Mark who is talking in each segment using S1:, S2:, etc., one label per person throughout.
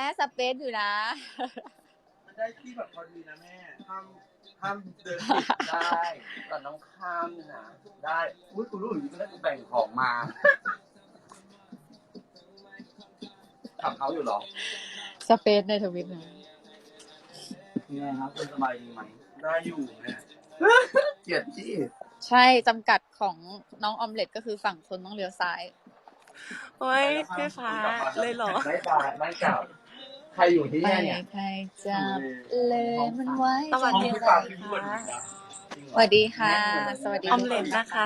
S1: สเปซอยู่นะ
S2: มันได้ที่แบบพอดีนะแม่ห้ามเดินผิดได้ก่อนน้องข้ามนะได้อุ้ยกูรู้อยู่ก็ได้กูแบ่งของมาขับเขาอยู่หรอ
S1: สเปซในทวิตนะ
S2: ไงครับคุณสบายดีไหมได้อยู่แม่เกลียดที่
S1: ใช่จำกัดของน้องออมเล็ตก็คือฝั่งคนต้องเลี้ยวซ้าย
S3: โอ้ยพี่ฟ้าเลยเหรอ
S2: ไม่กลับใครอยู่ที่นี่เนี่ย
S1: ใครจับเลยมันไว้
S3: สวัสดีค่ะ
S1: สวัสดีค่ะสวัสดี
S3: ออมเล็ตนะคะ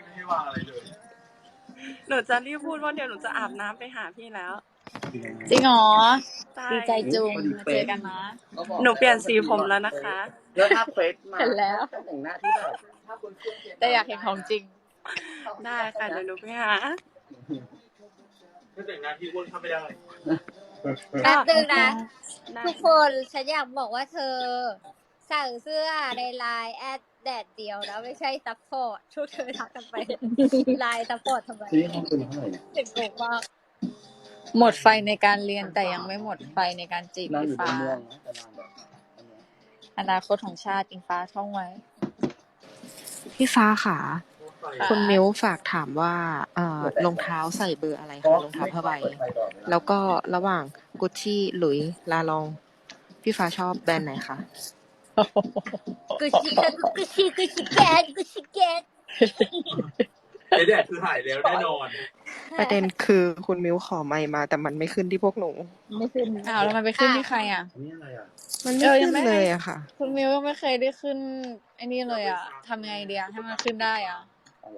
S3: หนูจะรีบพูดว่าเดี๋ยวหนูจะอาบน้ำไปหาพี่แล้ว
S1: จริงเหรอ
S3: ดี
S1: ใจจุงมาเจอกันนะ
S3: หนูเปลี่ยนสีผมแล้วนะคะ
S2: แล้วถ้าเฟซมา
S1: เห็นแล้ว
S2: แต่งหน้าที่แบบ
S1: แต่อยากเห็นของจริง
S3: ได้ค่ะเดี๋ยวหนูไปหา
S2: ถ้าแต่งหน้าที่อ้วนเข้าไม่ได้
S4: แป๊บนึงนะทุกคนฉันอยากบอกว่าเธอสั่งเสื้อในไลน์แอดแดดเดียวนะไม่ใช่ซัพพอร์ตทุกเธอทักกันไปไลน์ซัพพอร์ตทำไม
S2: ที่ห้องเป็นเท่าไหร่
S4: ถึงโกงมาก
S1: หมดไฟในการเรียนแต่ยังไม่หมดไฟในการจีบพี่ฟ้าอนาคตของชาติอิงฟ้าท่องไว้
S5: พี่ฟ้าค่ะคุณมิ้วฝากถามว่ารองเท้าใส่เบอร์อะไรคะรองเท้าผ้าใบแล้วก็ระหว่างกุชชี่หลุยลาลองพี่ฟ้าชอบแบรนด์ไหนคะ
S4: กุชิแกน
S2: ไอแดดคือหายแล้วแน่นอน
S5: ประเด็นคือคุณมิ้วขอไมค์มาแต่มันไม่ขึ้นที่พวกหนู
S1: ไม่ขึ้นแล้วมันไปขึ้นที่ใครอ่ะ
S2: นี่อะไรอ่ะ
S5: มันไม่ขึ้นเลยอะค่ะ
S1: คุณมิวก็ไม่เคยได้ขึ้นไอ้นี่เลยอ่ะทำไงเดียให้มันขึ้นได้อ่ะ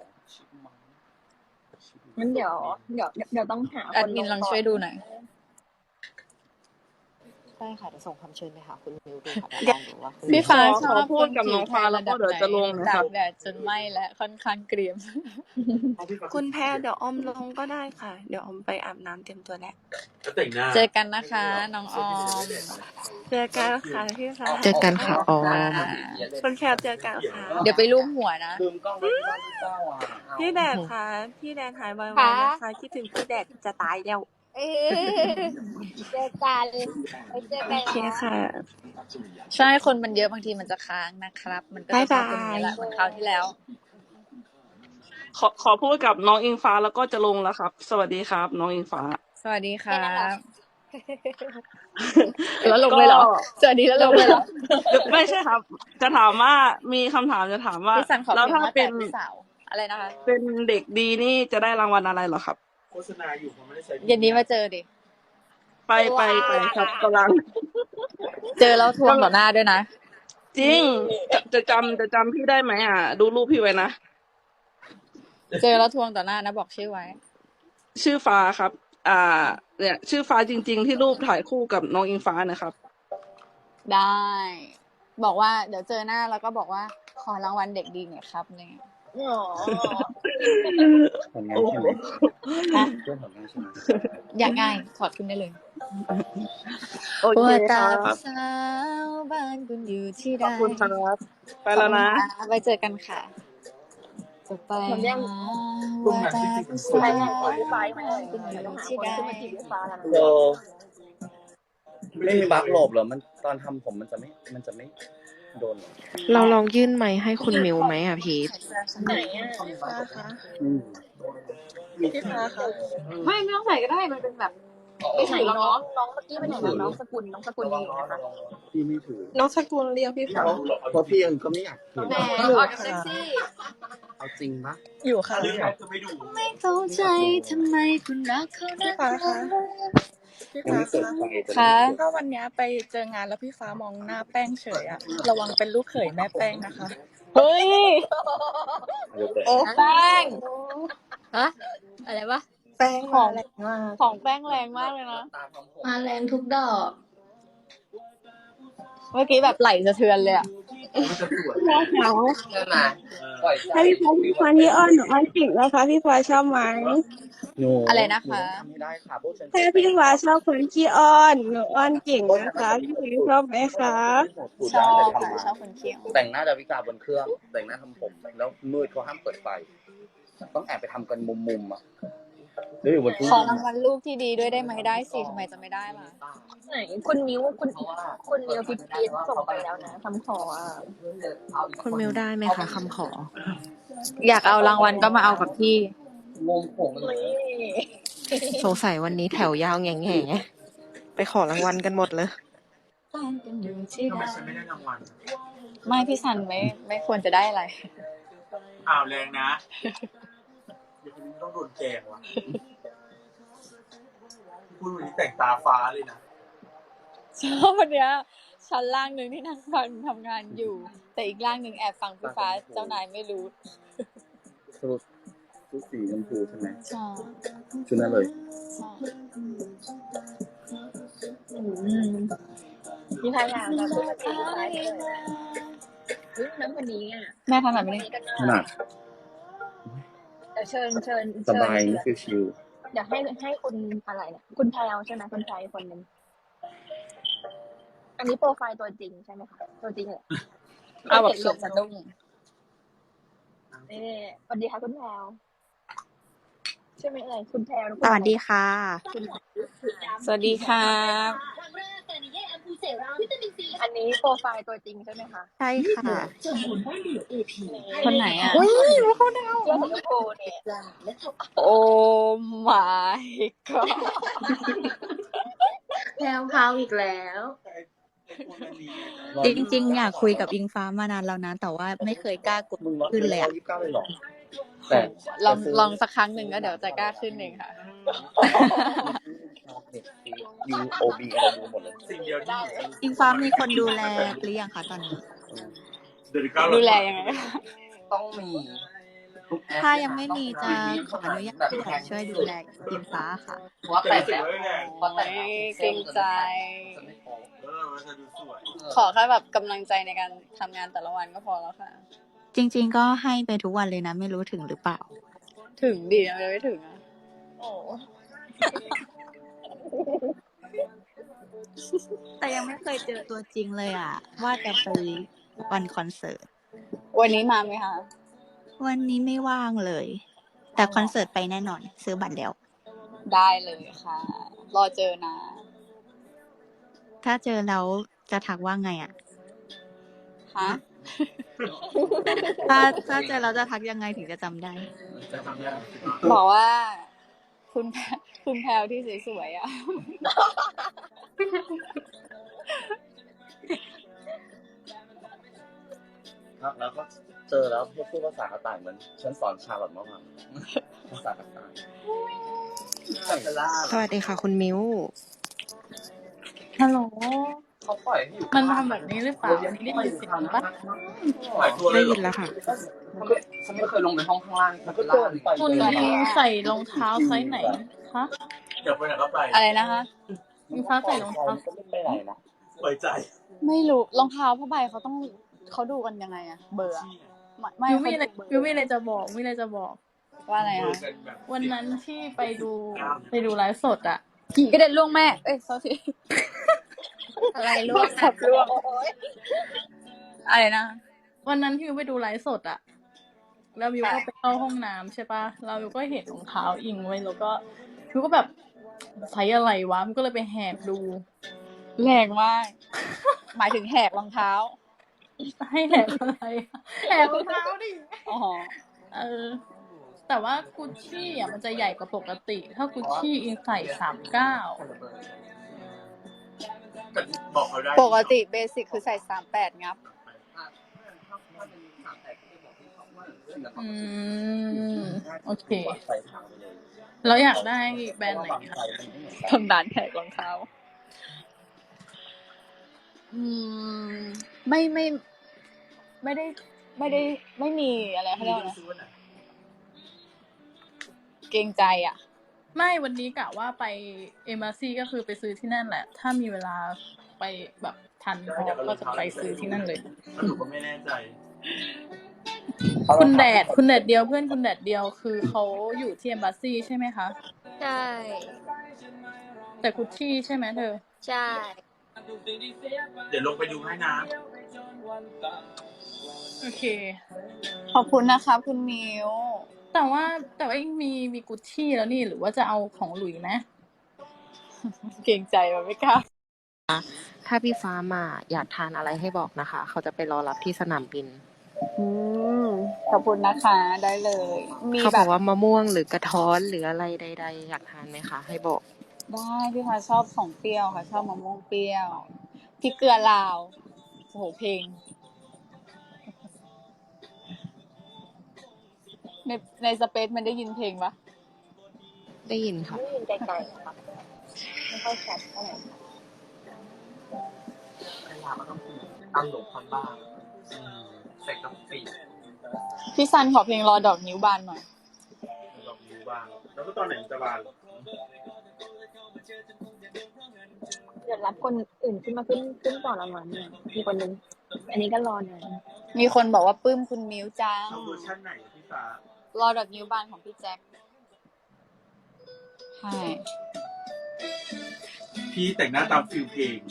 S6: งั้นเดี๋ยวต้องหา
S1: แอดมินลองช่วยดูหน่อย
S5: ได้ค่ะจะส่งคำเชิญไปหาคุณมิวดูค่ะลองดูว่า
S1: พี่ฟ้าชอบ
S3: พูดกับน้องฟ้าแล้วก็เดี๋ยวจะลง
S1: นะครับแดดจนไหม้และค่อนข้างเกรียม
S3: คุณแพรเดี๋ยวออมลงก็ได้ค่ะเดี๋ยวออมไปอาบน้ำเตรียมตัวแล้ว
S1: เจอกันนะคะน้องออม
S3: เจอกันค่ะพี่ฟ้า
S5: เจอกันค่ะออม
S3: คุณแพรเจอกันค่ะ
S1: เดี๋ยวไปลูบหัวนะ
S3: พี่แดดค่ะพี่แดดหายไวๆนะคะคิดถึงพี่แดดจะตายแล้ว
S4: เจอกันเจอกัน
S3: ค่ะ
S1: ใช่คนมันเยอะบางทีมันจะค้างนะครับมันก็จะเป็นอย่างนี้แหละเหมือนคราวที่แล้ว
S3: ขอพูดกับน้องอิงฟ้าแล้วก็จะลงแล้วครับสวัสดีครับน้องอิงฟ้า
S1: สวัสดีครับแล้วลงเลยเหรอสวัสดีแล้วลงเลยเหรอ
S3: ไม่ใช่ครับจะถามว่ามีคำถามจะถามว่า
S1: แล้วถ้าเป็นอะไรนะคะ
S3: เป็นเด็กดีนี่จะได้รางวัลอะไรเหรอครับ
S2: โฆษณาอยู่ผมไม่ได้ใช้
S1: เย็นนี้มาเจอดิ
S3: ไปครับกำลัง
S1: เจอแล้วทวงต่อหน้าด้วยนะ
S3: จริงจะจำพี่ได้ไหมอ่ะดูรูปพี่ไว้นะ
S1: เจอแล้วทวงต่อหน้านะบอกชื่อไว้
S3: ชื่อฟ้าครับเนี่ยชื่อฟ้าจริงๆที่รูปถ่ายคู่กับน้องอิงฟ้านะครับ
S1: ได้บอกว่าเดี๋ยวเจอหน้าแล้วก็บอกว่าขอรางวัลเด็กดีหน่อยครับเนี่ย
S2: ผลงานใช่ไหม
S1: อยากง่ายถอดขึ้นได้เลย
S3: โอเคครับ
S1: สาวบ้านคุณอยู่ที่ใด
S3: ขอบคุณครับไปแล้วนะ
S1: ไปเจอกันค่ะจะไปหาว่าตาคุณสาวบ้านคุณอยู่ที่ใด
S2: ไม่มีบั๊กหลบเหรอมันตอนทำผมมันจะไม่โดน
S5: เราลองยื่นไมค์ให้คุณมิวไหมอ่ะพีท
S6: ไหนอ่ะพี่ฟ้าคะพี่ฟ้าคะ
S1: ไม่ต้องใส่ก็ได้มันเป็นแบบ
S6: ไม่ใส่น้องเมื่อกี้เป็นไหนน้องสกุลดีนะคะ
S2: พี่ไม่ถือ
S6: น้องสกุลเรียกพี่ฟ้า
S2: เพราะพี่ยังก็ไม่อยากเห็น
S1: แหมออกเซ็กซี่
S2: เอาจริงปะ
S6: อยู่ค่ะ
S1: ไม่เข้าใจทำไมคุณรักเขา
S6: พี่ฟ้าคะพี่ฟ้า
S1: คะ
S6: ถ้าวันนี้ไปเจองานแล้วพี่ฟ้ามองหน้าแป้งเฉยอะระวังเป็นลูกเขยแม่แป้งนะคะ
S1: เฮ้ยโอ้แป้ง
S4: ฮะอะไรวะ
S6: แป้ง
S1: ของ
S6: แรงมาก
S1: ของแป้งแรงมากเลยนะ
S4: มาแรงทุกดอก
S1: เมื่อกี้แบบไหลสะเทือนเลยอ่ะ
S3: ให้พี่ฟ้าที่อ้อนหนูอ้อนเก่งนะคะพี่ฟ้าชอบไหม
S1: อะไรนะคะ
S3: ถ้าพี่ฟ้าชอบคนขี้อ้อนหนูอ้อนเก่งนะคะพี่ฟ้าชอบไหมคะ
S1: ชอบคนเขียว
S2: แต่งหน้าดาวิกาบนเครื่องแต่งหน้าทำผมแล้วมืดเขาห้ามเปิดไฟต้องแอบไปทำกันมุมๆอ่ะเดี๋ยวอยู่บนตู้
S1: ขอรางวัลลูกที่ดีด้วยได้ไหมได้สิทำไมจะไม่ได้ล่ะ
S4: ไหนคุณมิ้วคุณมิ้วพิพีส่งไปแล้วนะคำขออ่ะ
S5: คุณมิวได้ไหมคะคำขอ
S1: อยากเอารางวัลก็มาเอากับพี่
S2: งงผมเลย
S5: สงสัยวันนี้แถวยาวแง่แง่ไปขอรางวัลกันหมดเลย
S2: ทำไมฉันไม่ได้รางวัล
S1: ไม่พี่ซันไม่ควรจะได้อะไร
S2: อ้าวแรงนะเดี๋ยวคนนี้ต้องโดนแกงว่ะพูดวันนี้แต่งตาฟ้าเลยนะ
S1: ชอบวันเนี้ยชั้นล่างหนึ่งที่นั่งฟังทำงานอยู่ แต่อีกล่างหนึ่งแอบฟังพี่ฟ้าเจ้านายไม่รู้
S2: ชุดสีชมพูใช่ไหม
S1: ใช่
S2: ชุดนั้นเลย
S1: ใช่
S4: พี่พายาแบบปกติพี่พายเลยน้ำคนนี้อ่ะ
S1: แม่ทำแบบนี้
S2: ขนาด
S4: แต่เชิญ
S2: สบายนี่คือชิล
S4: อยากให้คุณอะไรเนี่ยคุณแพลวใช่ไหมคุณแพลวคนนึงอันนี้โปรไฟล์ตัวจริงใช่ไหมคะตัวจริงเหรอ
S1: เอาแบบสวมสะดุ้ง
S4: นี่สวัสดีค่ะคุณแพลวใช่ไหมอะไรคุณแพลว
S5: สวัสดีค่ะ
S1: สวัสดีครับ
S4: อันนี้โปรไฟล์ตัวจริงใช่ไหมคะ
S5: ใช่ค่ะ
S1: คนไหนอ่ะ
S5: อุ้ยว่าเขาดาว
S4: เจ้าของโปรเนี่ย
S1: โอ้ my god
S7: แพรวพราวอีกแล้ว จริงๆอยากคุยกับอิงฟ้ามานานแล้วนะ แต่ว่าไม่เคยกล้ากดขึ้นเลยอะ
S2: 29เลยหรอแต่
S1: ลองสักครั้งหนึ่งก็เดี๋ยวจะกล้าขึ้นเองค่ะ
S2: UOB อะไรดูหมดเลยสิ่งเดียวที่
S7: อิงฟ้ามีคนดูแลหรือยังคะตอนนี้
S1: ดูแลยังไง
S2: ต้องมี
S7: ถ้ายังไม่มีจะขออนุญาตพี่หน่อยช่วยดูแลอิงฟ้าค่ะ
S2: เพราะแต่งแล้วเพราะแต่ง
S1: เกรงใจ ขอแค่แบบกำลังใจในการทำงานแต่ละวันก็พอแล้วค่ะ
S7: จริงๆก็ให้ไปทุกวันเลยนะ ไม่รู้ถึงหรือเปล่า
S1: ถึงดีนะไม่ถึงอ่ะ
S4: โอ้
S7: แต่ยังไม่เคยเจอตัวจริงเลยอ่ะ ว่าจะไปวันคอนเสิร์ต
S1: วันนี้มาไหมคะ
S7: วันนี้ไม่ว่างเลย แต่คอนเสิร์ตไปแน่นอน ซื้อบัตรแล้ว
S1: ได้เลยค่ะ รอเจอนะ
S7: ถ้าเจอแล้วจะทักว่าไงอ่ะ
S1: ฮะ
S7: ถ้าเจอแล้วจะทักยังไงถึงจะจำได้
S1: บอกว่า คุณแพรวที่สวยๆอ่ะ
S2: แล้วก็เจอแล้วพูดภาษากระต่ายเหมือนฉันสอนชาลอตเมื่อวานภาษากระต่าย
S5: สวัสดีค่ะ คุณมิว
S6: ฮัลโหล
S2: เขาปล่อยให้อยู่
S6: มันทำแบบนี้หรือเปล่าไม่ได้ยินเสียงปะ
S2: ปล่อยตัวเล
S5: ได้
S2: ย
S5: ยินแล้วค่ะ
S2: ฉันไม่เคยลงไปห้องข้างล่างมันก็ล่าง
S6: คุณใส่รองเท้าไซส์ไหนคะ
S2: เดี๋ยวไปไหนก็ไป
S1: อะไรนะคะ
S6: อิงฟ้าใส่รองเท้า
S2: ก็ไม่ไปไหนนะปล่อยใจ
S1: ไม่รู้รองเท้าผ้าใบเขาดูกันยังไงอะเบอร์อะไม่
S6: ยูไม่เลย
S1: เขาดูเบอร์
S6: ยูไม่เลยจะบอก
S1: ว่าอะไรคะ
S6: วันนั้นที่ไปดูไลฟ์สดอะ
S1: ขี่กระเด็นล่วงแม่ เอ้ย sorry
S4: อะไรล่วง
S1: ขับล่วงอะไรนะ
S6: วันนั้นที่ยูไปดูไลฟ์สดอะแล้วยูก็ไปเข้าห้องน้ำใช่ปะเรายูก็เห็นรองเท้าอิงไว้แล้วก็ยูก็แบบใช้อะไรวะมันก็เลยไปแหกดู
S1: แรงมาก หมายถึงแหกรองเท้า
S6: ให้แหกอะไรอะแหกรองเท้าดิ
S1: อ๋อ
S6: แต่ว่ากุชชี่อ่ะมันจะใหญ่กว่าปกติ ถ้ากุชชี่อิงใส่39
S2: บอกเขาได้
S1: ปกติเบสิกคือใส่38งับ
S6: โอเคแล้วอยากได้แบรนด์ไหนคะ
S1: ทำด่านแหกรองเท้า ไม่ได้ไม่มีอะไรเขาเรียกว่าอะไรเกรงใจอ่ะ
S6: ไม่วันนี้กะว่าไปเอมบาซีก็คือไปซื้อที่นั่นแหละ ถ้ามีเวลาไปแบบทันพอก็จะไปซื้อที่นั่นเลย
S2: หนูก็ไม่แน่ใจ
S6: คุณแดดเดียวเพื่อนคุณแดดเดียวคือเขาอยู่ที่เอมบาซีใช่ไหมคะ
S4: ใช่
S6: แต่กุชชี่ใช่ไหมเธอ
S4: ใช่
S2: เดี๋ยวลงไปดูให้นะ
S6: โอเค
S1: ขอบคุณนะคะคุณมิว
S6: แต่ว่ามีกุชชี่แล้วนี่หรือว่าจะเอาของหลุยไหม เกรงใจมันไม่กล้า
S5: ถ้าพี่ฟ้ามาอยากทานอะไรให้บอกนะคะ เขาจะไปรอรับที่สนามบิน
S7: ขอบคุณนะคะ ได้เลย มี
S5: เขา
S7: แบบ
S5: อบ กว่ามะม่วงหรือกระท้อนหรืออะไรใดๆอยากทานไหมคะ ให้บอก
S7: ได้พี่ฟ้าชอบของเปรี้ยวค่ะ ชอบมะม่วงเปรี้ยวพริกเกลือลาวโอ้โหเพลง ในสเปซมันได้ยินเพลงปะ
S5: ได้ยินค่ะ
S4: ได้ยินไกลๆค่ะไม่ค่อยชัดเท่าไหร่
S2: เวลามันต้องตั้งหลบพันบ้างใส่กะปิ
S7: พี่ซันขอเพลงรอดอกนิ้วบานหน่อย
S2: ดอกนิ้วบางแล้วก็ตอนไหนมันจะบาน
S4: เดี๋ยวรับคนอื่นขึ้นต่อละมันเนี่ยมีคนนึงอันนี้ก็รอหน่อย
S7: มีคนบอกว่าปลื้มคุณมิ้วจัง
S2: เอาเวอร์ชันไหนพี่ฟ้าร
S7: อดอกนิ้วบานของพี่แจ็คใช่
S2: พี่แต่งหน้าตามฟิลเพลง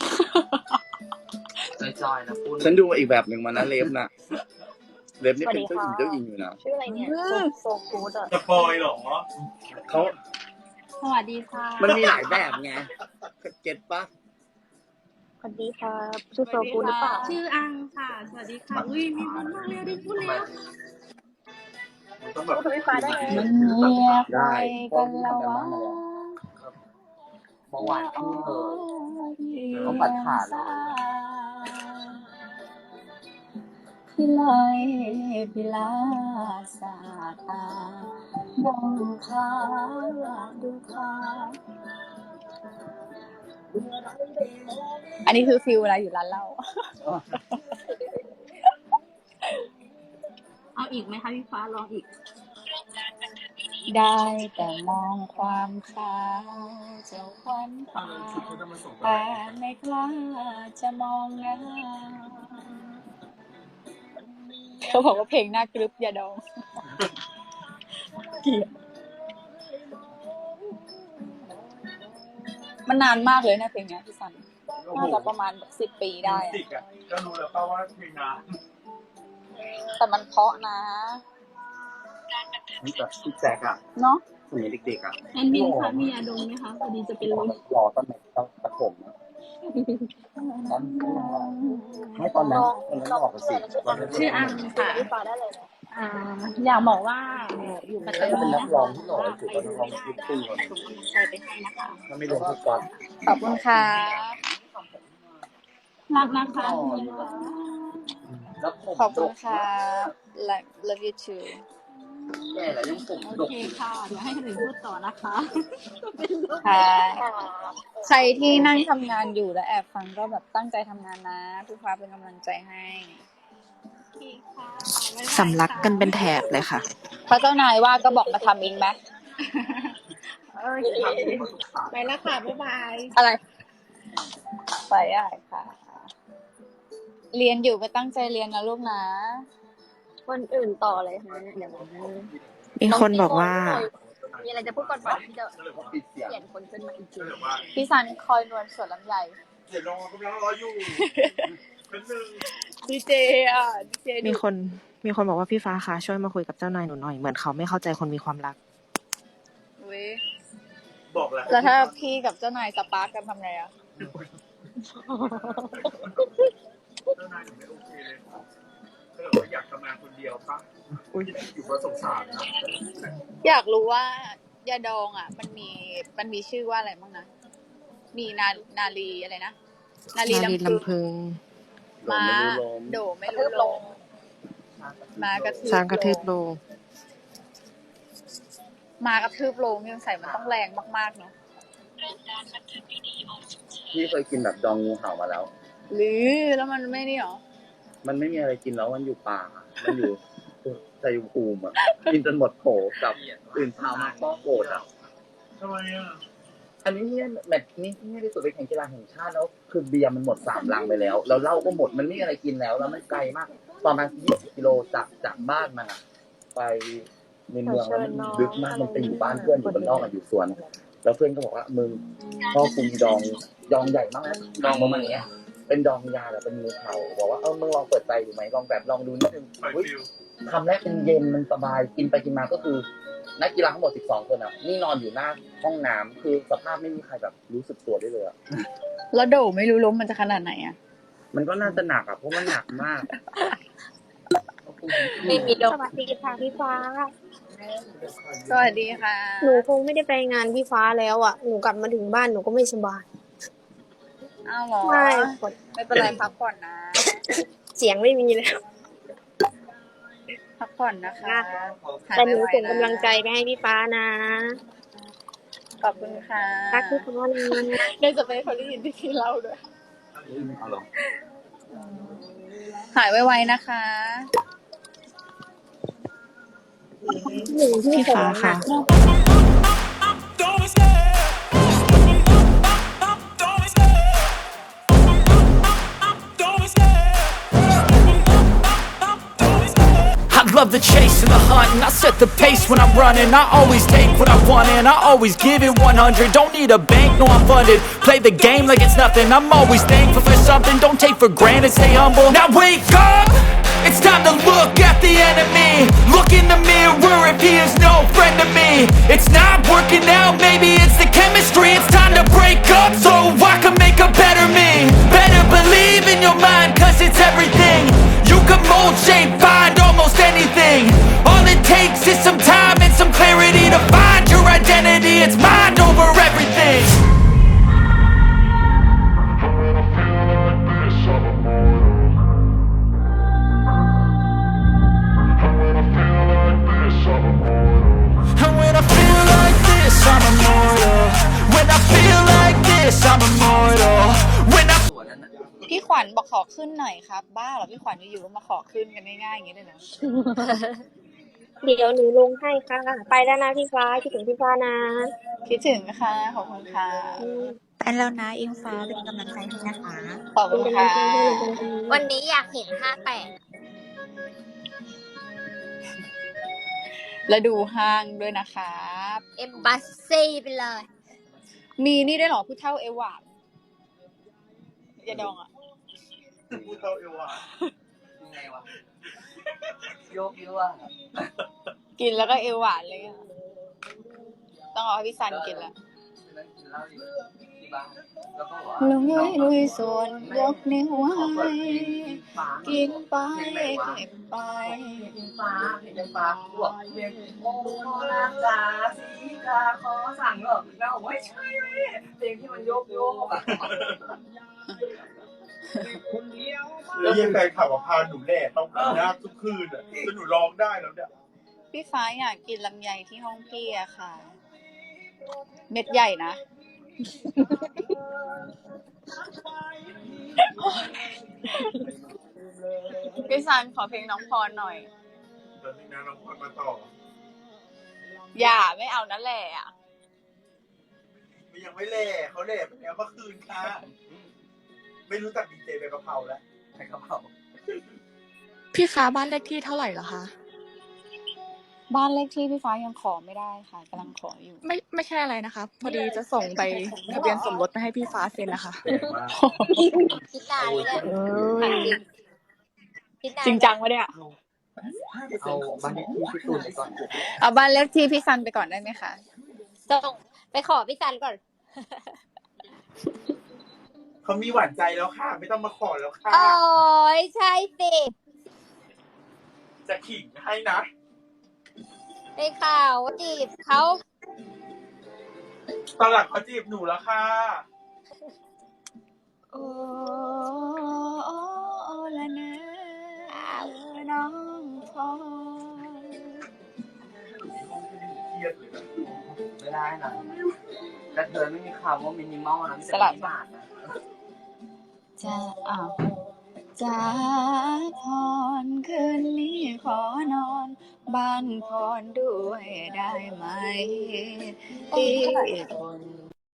S2: จอยๆนะพูด
S8: ฉันดูอีกแบบหนึ่งมานะเล็บนะเล็บนี่เป็นเจ้าหญิงอยู่นะ
S4: ชื่ออะไรเนี่ยโซกูดอ่ะ
S2: จะปอยเหรอ
S8: เขา
S7: สวัสดีค่ะ
S8: มันมีหลายแบบไงเก็ตปะ
S4: สวัสดีครับชื่อโซกูดหรือเปล่า
S6: ชื่ออังค่ะ สวัสดีค่ะ อุ้ยมีคนมาเร็วดิพูดเร็ว
S2: มันต้องแบบ
S4: พูดไฟฟ้าได้ไหม
S7: มันเงียบไป
S8: ได้พ่อ
S7: กัน
S8: พี่
S7: แล้ว
S8: ทำกัน
S7: วะ
S8: บ้างมาแล้ว
S2: เมื่อวานพี่เลย
S8: เขาปัดขาดเลย
S7: พี่ลอยพี่ลาสาตาน้องคาดูคาอันนี้คือฟิลเวลาอยู่ร้านเหล้า
S6: เอาอีกไหมคะพี่ฟ้าลองอีก
S7: ได้แต่มองความขาวเจ้าควันตา
S2: ชุดเขาจะมาส่ง
S7: แต่ไม่กล้าจะมองหน้าเขาบอกว่าเพลงน่ากรึบอย่าดองเกลียดมันนานมากเลยนะเพลงนี้พี่สันน่าจะประมาณ10 ปีได้
S2: ติกอ่ะก็รู้แล้วป่าว่าเพลงนาน
S7: แต่มันเพราะนะ
S8: นี่แบบพี่แจ็คอะ
S7: เนาะ
S8: สมัยเด็กๆอะ
S6: แอนมินค่ะมียาดมไหมคะพอดีจะเป็นลม
S8: รอตอนไหนต้องประถมอะตอนให้ตอนนั้นออกไปสิตอนนั้น
S6: ชื่ออังค่ะ
S4: พี่ฟ้าได้เลยนะ
S6: อยากบอกว่าอยู่ปัตตา
S8: เป็น
S6: นี
S8: นัก
S6: นะ
S8: ร้อง
S6: คะ
S8: ที่หล่อที่สุดเป็นนักร้องลูกทุ่งคนหนึ่ง
S6: ส่งกำลังใจไปให้นะคะ
S8: ถ้าไม่รวมทุกก่อน
S7: ขอบคุณค่ะ
S6: รักนะคะ
S8: แล้วผม
S7: ขอบคุณค่ะ love you too
S8: แก่แล้วยังผม
S6: โอ
S8: ดก
S6: เค
S8: อยู่
S6: ค่ะ เดี๋ยวให้คนอื่นพูดต่อนะคะ
S7: ค่ะใครที่นั่งทำงานอยู่และแอบฟังก็แบบตั้งใจทำงานนะพี่ฟ้าเป็นกำลังใจให้
S5: สำลักกันเป็นแถบเลยค่ะ
S7: พระเจ้านายว่าก็บอกมาทำเองไหม
S6: ไปแล้วค่ะ บ๊ายบาย
S7: อะไร ไปได้ค่ะ เรียนอยู่ก็ตั้งใจเรียนนะลูกนะ
S4: คนอื่นต่อเลยฮะเดี๋ยว
S5: มีคนบอกว่า
S4: มีอะไรจะพูดก่อนป่ะที่จะ
S8: ก็เลยว่าปิดเสียง
S4: เปลี่ยนคนขึ้นมาอีกที
S2: ก็เลยว่า
S7: พี่ซันคอยนวลสวนลำไย
S2: เดี๋ยวรอกำลังรออยู่เป็นหนึ่ง
S7: ดีเจอ่ะดีเจ
S5: มีคนบอกว่าพี่ฟ้าคะช่วยมาคุยกับเจ้านายหนูหน่อยเหมือนเขาไม่เข้าใจคนมีความรัก
S7: อุ๊ย
S2: บอกแล้ว
S7: แล้วถ้าพี่กับเจ้านายสปาร์กกันทำไงอ่ะ
S2: เจ้านายหนูไม่โอเคเลยก็เลยว่าอยากทำงานคนเดียวป่ะอยู่ก็สงสารนะ
S7: อยากรู้ว่ายาดองอ่ะ มันมีชื่อว่าอะไรบ้างนะ มีนาลีอะไรนะ นาลี
S5: นาลี
S7: ลำพึง
S5: ลำพึง
S7: ม้า โดไม่รู้ลงมากระทืบ
S5: สร้างกระทืบโลง
S7: มากระทืบลงยังใส่มันต้องแรงมากๆเนาะ
S8: พี่เคยกินแบบดองงูเห่ามาแล้ว
S7: หรือแล้วมันไม่นี่หรอ
S8: มันไม่มีอะไรกินแล้วมันอยู่ป่า มันอยู่ชัยภูมิอ่ะ กินจนหมดโถกับตื่นเช้ามาก็โกรธอ่ะ
S2: ทำไมอ่ะ
S8: อันนี้เนี่ยแมตช์นี้ที่ที่สุดเป็นแข่งกีฬาแห่งชาติแล้วคือเบียร์มันหมด3 ลังไปแล้วแล้วเหล้าก็หมดมันไม่มีอะไรกินแล้วแล้วมันไกลมากประมาณ20 กิโลจากบ้านมันอะไปในเมืองแล้วมันลึกมากมันไปอยู่บ้านเพื่อนอยู่บนนอกอยู่สวน แล้วเพื่อนก็บอกว่ามึงพ่อกูมีดองใหญ่มากนะดองประมาณเนี้ยเป็นดองยาแบบเป็นงูเห่าบอกว่ามึงลองเปิดใจดูไหมลองแบบลองดูนิดนึง
S2: ปล่อย
S8: อุ๊ย
S2: ฟิล
S8: คำแรกเป็นเย็นมันสบายกินไปกินมาก็คือนักกีฬาทั้งหมด12คนอ่ะนี่นอนอยู่หน้าห้องน้ำคือสภาพไม่มีใครแบบรู้สึกตัวได้เลยอ่ะ
S6: แล้วโดไม่รู้ล้มมันจะขนาดไหนอ่ะ
S8: มันก็น่าจะหนักอ่ะเพราะมันหนักมาก
S4: ไม่มีดอก
S9: สวัสดีค่ะพี่ฟ้า
S6: สวัสดีค่ะ
S9: หนูคงไม่ได้ไปงานพี่ฟ้าแล้วอ่ะ หนูกลับมาถึงบ้านหนูก็ไม่สบาย
S6: อ้าวเหรอ
S9: ใช่
S6: ไม่เป็นไรพักผ่อนนะ
S9: เสียงไม่มีแล้ว
S6: พักผ่อนนะคะหาย
S9: แต่หนู
S6: ไว
S9: ส่ง
S6: ๆนะ
S9: กำลังใจไปให้พี่ฟ้านะ
S6: ขอบคุณค่ะ
S9: รักพี่ฟ้านะ
S6: ได้จะไปเขาได้ยินที่เล่าด้วย
S2: เอาหรอ
S6: หายไวๆนะคะ
S5: พี่ฟ้าค่ะ
S10: I love the chase and the hunt, and I set the pace when I'm running. I always take what I want and I always give it 100. Don't need a bank, no I'm funded. Play the game like it's nothing. I'm always thankful for something. Don't take for granted, stay humble. Now wake up, it's time to look at the enemy. Look in the mirror if he is no friend to me. It's not working out, maybe it's the chemistry. It's time to break up so I can make a better me. Better believe in your mind, cause it's everything. You can mold, shape, find almost anything. All it takes is some time and some clarity to find your identity. It's mind over everything. And when I feel like this, I'm immortal. When I feel like this, I'm immortal. When I
S6: พี่ขวัญบอกขอขึ้นหน่อยครับ บ้าเหรอพี่ขวัญอยู่ๆก็มาขอขึ้นกันง่ายๆอย่างนี้เลยนะ
S9: เดี๋ยวหนูลงให้ค่ะ ไปแล้วนะพี่ฟ้าคิดถึงพี่ฟ้านะ
S6: คิดถึงค่ะขอบคุณค่ะ
S1: ไปแล้วนะอิงฟ้าเป็นกำลังใจให้นะคะ
S6: ขอบคุณค่ะ
S4: วันนี้อยากเห็น58
S6: แล้วดูห้างด้วยนะครับ
S4: เอมบัสซี่ไปเลย
S6: มีนี่ด้วยเหรอผู้เฒ่าเอวานยาดองอ่ะ
S2: พูดเท่าเอวอ่ะยังไงวะโยกเยอะอ่ะ
S6: กินแล้วก็เอวหวานเลยอะต้องเอาให้พี่ซันกินละ
S2: นั่งกินเหล้าอยู่ที่บ้านแล้วก็ว่า
S6: ลุยส่วนยกนิ้วไว้กินไปเก็บไป
S2: ฟ้าเพลงฟ้าบวกเพลงโอ้รักจ๋าสีกาขอสั่งเหรอแล้วบอกว่าไม่ใช่เพลงที่มันโยกอ่ะ
S11: แล้วยังแฟนขับพาหนูแหล่ต้องกินน้ำทุกคืนอ่ะจนหนูร้องได้แล้วเนี่ย
S6: พี่ฟ้าอยากกินลำไยที่ห้องพี่อะค่ะ เม็ดใหญ่นะ พี่ซันขอเพลงน้องพรหน่อย
S11: ตอนนี้นะน้องพรมาต่อ
S6: อย่าไม่เอานั่นแหละอะ
S11: มันยังไม่แหล่เขาแหล่ไปแล้วเมื่อคืนค่ะไม่รู้จักดีเจใบกะเพราแล้ว
S2: ใช่ครับผม
S5: พี่ฟ้าบ้านเลขที่เท่าไหร่เหรอคะ
S6: บ้านเลขที่พี่ฟ้ายังขอไม่ได้ค่ะกำลังขออยู่
S5: ไม่ใช่อะไรนะคะ พอดีจะส่งไปทะเบียนสมรสไปให้พี่ฟ้าเซ็นนะคะ
S2: แปลกมาก
S4: คิดนานเลยเนี่ยคิดนาน
S6: จริงจังวะเนี่ย
S2: เอาบ้านเลขที่พี่ตูนไปก่อน
S6: เอาบ้านเลขที่พี่ซันไปก่อนได้ไหมคะ
S4: ส่งไปขอพี่ซันก่อน
S11: เขามีหวานใจแล้วค่ะ ไม่ต้องมาขอแล้วค่ะ
S4: โอ้ยใช่สิ
S11: จะขิงให้นะ
S4: ได้ข่าวว่าจีบเขา
S11: ตอนหลังเขาจีบหนูแล้วค่ะ
S6: โอ้ละนะน้องพร
S11: เครียดเลยนะ
S2: ไม่ได้นะกระเทยไม่มีคำว่ามินิมอลนะมีแต่มินิมาร์ทนะ
S6: จะจะพรคืนนี้ขอนอนบ้านพรด้วยได้ไหมที่คน